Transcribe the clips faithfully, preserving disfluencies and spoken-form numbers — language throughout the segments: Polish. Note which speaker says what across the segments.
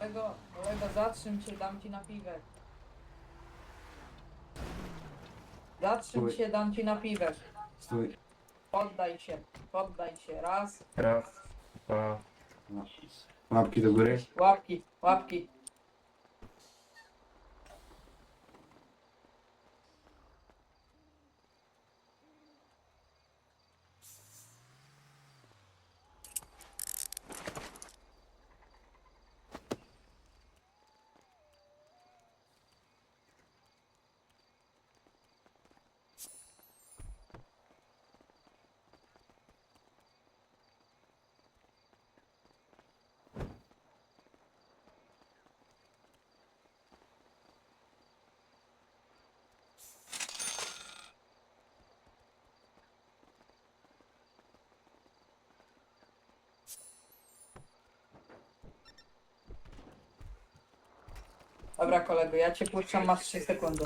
Speaker 1: Kolego, kolego, zatrzym się, dam ci na piwek. Zatrzym
Speaker 2: Stój.
Speaker 1: się, dam ci na piwek.
Speaker 2: Stój.
Speaker 1: Poddaj się, poddaj się. Raz,
Speaker 3: Raz, dwa,
Speaker 2: No. Łapki do góry.
Speaker 1: łapki, łapki. Dobra kolego, ja cię puszczam, masz trzy sekundy.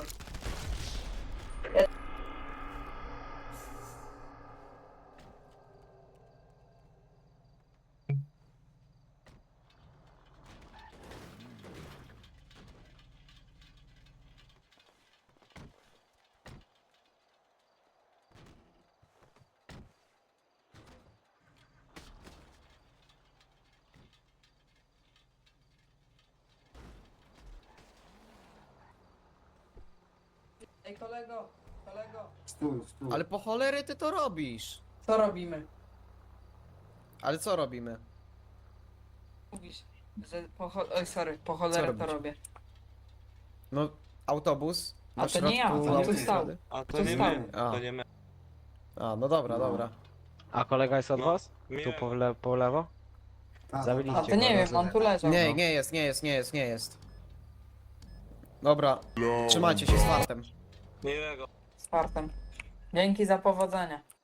Speaker 1: Ej kolego, kolego,
Speaker 2: Stój, stój.
Speaker 4: Ale po cholery ty to robisz?
Speaker 1: co robimy?
Speaker 4: Ale co robimy?
Speaker 1: Mówisz, że po cho- Oj, sorry, po cholerę to
Speaker 4: robicie?
Speaker 1: robię.
Speaker 4: No, autobus?
Speaker 1: A
Speaker 4: Na
Speaker 1: to nie ja,
Speaker 4: środku
Speaker 1: to nie
Speaker 4: autostrady?
Speaker 1: stał.
Speaker 5: A to
Speaker 1: Co
Speaker 5: nie
Speaker 1: stało?
Speaker 5: my,
Speaker 4: A.
Speaker 5: to nie my.
Speaker 4: A, no dobra,
Speaker 2: No.
Speaker 4: dobra.
Speaker 6: A kolega jest od
Speaker 5: No,
Speaker 6: was? Tu
Speaker 5: miłego.
Speaker 6: po, le po lewo?
Speaker 2: Tak,
Speaker 6: Zabiliście
Speaker 1: A to nie
Speaker 6: go,
Speaker 1: wiem,
Speaker 6: rozumiem.
Speaker 1: on tu leżał.
Speaker 4: Nie,
Speaker 1: no.
Speaker 4: nie jest, nie jest, nie jest, nie jest. Dobra, trzymajcie się z fartem.
Speaker 5: Miłego.
Speaker 1: Z fartem. Dzięki za powodzenie.